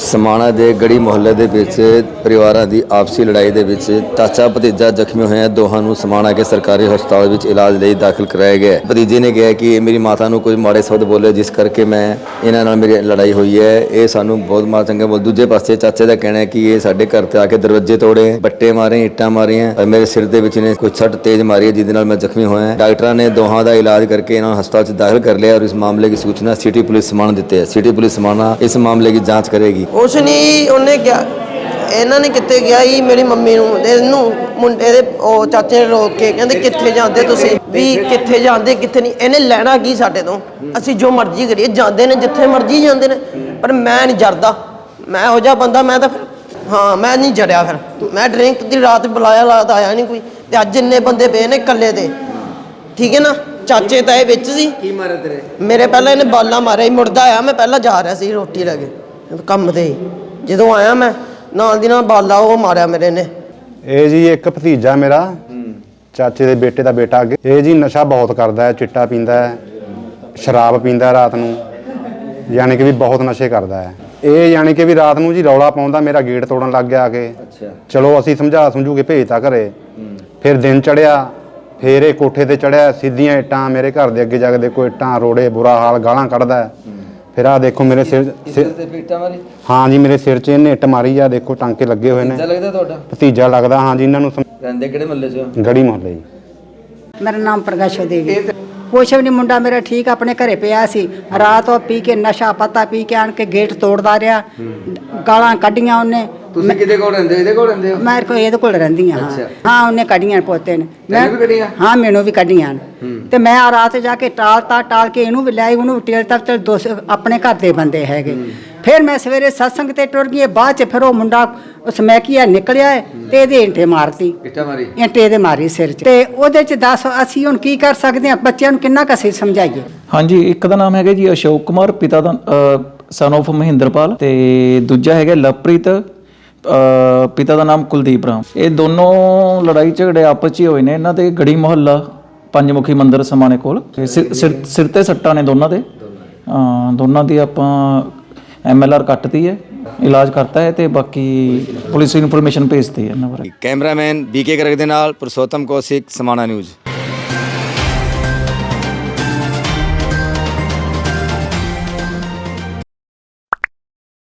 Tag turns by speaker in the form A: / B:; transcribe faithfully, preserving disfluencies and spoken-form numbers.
A: समाणा ਦੇ ਗੜੀ ਮੁਹੱਲੇ ਦੇ ਵਿੱਚ ਪਰਿਵਾਰਾਂ ਦੀ ਆਪਸੀ ਲੜਾਈ ਦੇ ਵਿੱਚ ਚਾਚਾ ਭਤੀਜਾ ਜ਼ਖਮੀ ਹੋਏ ਹਨ। ਦੋਹਾਂ ਨੂੰ ਸਮਾਣਾ ਕੇ ਸਰਕਾਰੀ ਹਸਪਤਾਲ ਵਿੱਚ ਇਲਾਜ ਲਈ ਦਾਖਲ ਕਰਾਇਆ ਗਿਆ। ਭਤੀਜੇ ਨੇ ਕਿਹਾ ਕਿ ਮੇਰੀ ਮਾਤਾ ਨੂੰ ਕੁਝ ਮਾੜੇ ਸ਼ਬਦ ਬੋਲੇ ਜਿਸ ਕਰਕੇ ਮੈਂ ਇਹਨਾਂ ਨਾਲ ਮੇਰੀ ਲੜਾਈ ਹੋਈ ਹੈ। ਇਹ ਸਾਨੂੰ ਬਹੁਤ ਮਾੜਾ ਚੰਗਾ ਬੋਲ। ਦੂਜੇ ਪਾਸੇ ਚਾਚੇ ਦਾ ਕਹਿਣਾ ਹੈ ਕਿ ਇਹ ਸਾਡੇ ਘਰ ਤੇ ਆ ਕੇ ਦਰਵਾਜ਼ੇ ਤੋੜੇ, ਬੱਟੇ ਮਾਰੇ, ਇੱਟਾਂ ਮਾਰੀਆਂ ਔਰ ਮੇਰੇ ਸਿਰ ਦੇ ਵਿੱਚ ਨੇ ਕੁਝ ਸੱਟ ਤੇਜ਼ ਮਾਰੀ ਹੈ ਜਿਹਦੇ ਨਾਲ ਮੈਂ ਜ਼ਖਮੀ ਹੋਇਆ। ਡਾਕਟਰਾਂ ਨੇ ਦੋਹਾਂ ਦਾ ਇਲਾਜ ਕਰਕੇ ਇਹਨਾਂ ਨੂੰ ਹਸਪਤਾਲ 'ਚ ਦਾਖਲ ਕਰ ਲਿਆ और इस मामले की सूचना सिटी पुलिस समाणा देते हैं। सिटी पुलिस समाणा इस मामले की जांच करेगी।
B: ਉਸ ਨਹੀਂ ਉਹਨੇ ਕਿਹਾ, ਇਹਨਾਂ ਨੇ ਕਿੱਥੇ ਗਿਆ ਜੀ ਮੇਰੀ ਮੰਮੀ ਨੂੰ ਇਹਨੂੰ ਮੁੰਡੇ ਦੇ ਉਹ ਚਾਚੇ ਨੇ ਰੋਕ ਕੇ ਕਹਿੰਦੇ ਕਿੱਥੇ ਜਾਂਦੇ ਤੁਸੀਂ ਵੀ ਕਿੱਥੇ ਜਾਂਦੇ ਕਿੱਥੇ ਨਹੀਂ। ਇਹਨੇ ਲੈਣਾ ਕੀ ਸਾਡੇ ਤੋਂ, ਅਸੀਂ ਜੋ ਮਰਜ਼ੀ ਕਰੀਏ। ਜਾਂਦੇ ਨੇ ਜਿੱਥੇ ਮਰਜ਼ੀ ਜਾਂਦੇ ਨੇ ਪਰ ਮੈਂ ਨਹੀਂ ਜਰਦਾ। ਮੈਂ ਇਹੋ ਜਿਹਾ ਬੰਦਾ, ਮੈਂ ਤਾਂ ਫਿਰ ਹਾਂ ਮੈਂ ਨਹੀਂ ਜੜਿਆ। ਫਿਰ ਮੈਂ ਡਰਿੰਕ ਦੀ ਰਾਤ ਬੁਲਾਇਆ ਲਾਤ ਆਇਆ ਨਹੀਂ ਕੋਈ, ਤੇ ਅੱਜ ਇੰਨੇ ਬੰਦੇ ਪਏ ਨੇ ਇਕੱਲੇ ਤੇ, ਠੀਕ ਹੈ ਨਾ। ਚਾਚੇ ਤਾਏ ਵਿੱਚ ਸੀ।
A: ਕੀ ਮਾਰੇ ਤੇਰੇ?
B: ਮੇਰੇ ਪਹਿਲਾਂ ਇਹਨੇ ਬਾਲਾਂ ਮਾਰਿਆ ਹੀ, ਮੁੜਦਾ ਆਇਆ। ਮੈਂ ਪਹਿਲਾਂ ਜਾ ਰਿਹਾ ਸੀ ਰੋਟੀ ਲੈ ਕੇ ਕੰਮ ਤੇ, ਜਦੋਂ ਆਇਆ ਮੈਂ ਨਾਲ ਦੀ ਨਾਲ ਬਾਲਾ ਉਹ ਮਾਰਿਆ ਮੇਰੇ ਨੇ।
C: ਇਹ ਜੀ ਇੱਕ ਭਤੀਜਾ ਮੇਰਾ ਚਾਚੇ ਦੇ ਬੇਟੇ ਦਾ ਬੇਟਾ ਅੱਗੇ, ਇਹ ਜੀ ਨਸ਼ਾ ਬਹੁਤ ਕਰਦਾ ਹੈ, ਚਿੱਟਾ ਪੀਂਦਾ ਹੈ, ਸ਼ਰਾਬ ਪੀਂਦਾ ਹੈ ਰਾਤ ਨੂੰ, ਯਾਨੀ ਕਿ ਵੀ ਬਹੁਤ ਨਸ਼ੇ ਕਰਦਾ ਹੈ। ਇਹ ਯਾਨੀ ਕਿ ਵੀ ਰਾਤ ਨੂੰ ਜੀ ਰੌਲਾ ਪਾਉਂਦਾ, ਮੇਰਾ ਗੇਟ ਤੋੜਨ ਲੱਗ ਗਿਆ ਆ ਕੇ। ਚਲੋ ਅਸੀਂ ਸਮਝਾ ਸਮਝੂ ਕੇ ਭੇਜਤਾ ਘਰੇ। ਫਿਰ ਦਿਨ ਚੜਿਆ, ਫਿਰ ਇਹ ਕੋਠੇ ਤੇ ਚੜਿਆ, ਸਿੱਧੀਆਂ ਇੱਟਾਂ ਮੇਰੇ ਘਰ ਦੇ ਅੱਗੇ ਜਾ ਕੇ ਦੇਖੋ, ਇੱਟਾਂ ਰੋੜੇ, ਬੁਰਾ ਹਾਲ, ਗਾਲਾਂ ਕੱਢਦਾ। ਫਿਰ ਆਹ ਦੇਖੋ ਮੇਰੇ ਸਿਰ, ਹਾਂ ਜੀ ਮੇਰੇ ਸਿਰ 'ਚ ਇਹਨੇ ਇੱਟ ਮਾਰੀ ਆ, ਦੇਖੋ ਟਾਂਕੇ ਲੱਗੇ ਹੋਏ ਨੇ।
A: ਲੱਗਦਾ ਤੁਹਾਡਾ
C: ਭਤੀਜਾ ਲੱਗਦਾ, ਹਾਂ ਜੀ। ਇਹਨਾਂ ਨੂੰ
A: ਰਹਿੰਦੇ ਕਿਹੜੇ ਮਹੱਲੇ 'ਚ?
C: ਗੜੀ ਮੁਹੱਲੇ ਜੀ।
D: ਮੇਰਾ ਨਾਮ ਪ੍ਰਕਾਸ਼ੋ ਦੇਵੀ। ਕੁਛ ਵੀ ਨਹੀਂ, ਮੁੰਡਾ ਮੇਰਾ ਠੀਕ ਆਪਣੇ ਘਰੇ ਪਿਆ ਸੀ। ਰਾਤ ਉਹ ਪੀ ਕੇ ਨਸ਼ਾ ਪਤਾ ਪੀ ਕੇ ਆਣ ਕੇ ਗੇਟ ਤੋੜਦਾ ਰਿਹਾ, ਗਾਲਾਂ ਕੱਢੀਆਂ ਉਹਨੇ।
A: ਤੁਸੀਂ ਕਿਹਦੇ ਕੋਲ ਰਹਿੰਦੇ ਹੋ? ਇਹਦੇ ਕੋਲ ਰਹਿੰਦੇ ਹੋ?
D: ਮੈਂ ਕੋ ਇਹਦੇ ਕੋਲ ਰਹਿੰਦੀ ਹਾਂ। ਹਾਂ ਉਹਨੇ ਕੱਢੀਆਂ ਪੋਤੇ ਨੇ। ਮੈਂ ਹਾਂ ਮੈਨੂੰ ਵੀ ਕੱਢੀਆਂ ਤੇ ਮੈਂ ਆ ਰਾਤ ਜਾ ਕੇ ਟਾਲਤਾ ਟਾਲ ਕੇ ਇਹਨੂੰ ਵੀ ਲਿਆਈ, ਉਹਨੂੰ ਵੀ ਟੇਲ ਤੱਕ। ਚਲ ਦੋ ਆਪਣੇ ਘਰ ਦੇ ਬੰਦੇ ਹੈਗੇ। ਫਿਰ ਮੈਂ ਸਵੇਰੇ ਸਤਸੰਗ ਤੇ ਟੁਰ ਗਈ। ਬਾਅਦ ਚ ਫਿਰ ਉਹ ਮੁੰਡਾ ਉਸ ਮੈਕੀਆ ਨਿਕਲਿਆ ਤੇ ਇਹਦੇ ਇੰਟੇ ਮਾਰਤੀ, ਇੰਟੇ ਇਹਦੇ ਮਾਰੀ ਸਿਰ 'ਚ। ਤੇ ਉਹਦੇ 'ਚ ਦੱਸ ਅਸੀਂ ਹੁਣ ਕੀ ਕਰ ਸਕਦੇ ਹਾਂ? ਬੱਚਿਆਂ ਨੂੰ ਕਿੰਨਾ ਕੁ ਅਸੀਂ ਸਮਝਾਈਏ?
E: ਹਾਂਜੀ, ਇੱਕ ਦਾ ਨਾਮ ਹੈਗਾ ਜੀ ਅਸ਼ੋਕ ਕੁਮਾਰ, ਪਿਤਾ ਦਾ ਸਨ ਆਫ ਮਹਿੰਦਰਪਾਲ, ਤੇ ਦੂਜਾ ਹੈਗਾ ਲਵਪ੍ਰੀਤ, ਪਿਤਾ ਦਾ ਨਾਮ ਕੁਲਦੀਪ ਰਾਮ। ਇਹ ਦੋਨੋਂ ਲੜਾਈ ਝਗੜੇ ਆਪਸ 'ਚ ਹੀ ਹੋਏ ਨੇ। ਇਹਨਾਂ ਦੇ ਗੜੀ ਮੁਹੱਲਾ ਪੰਜਮੁਖੀ ਮੰਦਿਰ ਸਮਾਣੇ ਕੋਲ ਸਿਰ ਸਿਰ ਤੇ ਸੱਟਾਂ ਨੇ ਦੋਨਾਂ ਦੇ। ਦੋਨਾਂ ਦੀ ਆਪਾਂ ਐਮ ਐਲ ਆਰ ਕੱਟਤੀ ਹੈ, ਇਲਾਜ ਕਰਤਾ ਹੈ, ਤੇ ਬਾਕੀ ਪੁਲਿਸ ਇਨਫੋਰਮੇਸ਼ਨ ਭੇਜਤੀ ਹੈ ਇਹਨਾਂ ਬਾਰੇ।
A: ਕੈਮਰਾਮੈਨ ਬੀਕੇ ਕਰਕ ਦੇ ਨਾਲ ਪੁਰਸ਼ੋਤਮ ਕੌਸ਼ਿਕ, ਸਮਾਣਾ ਨਿਊਜ਼।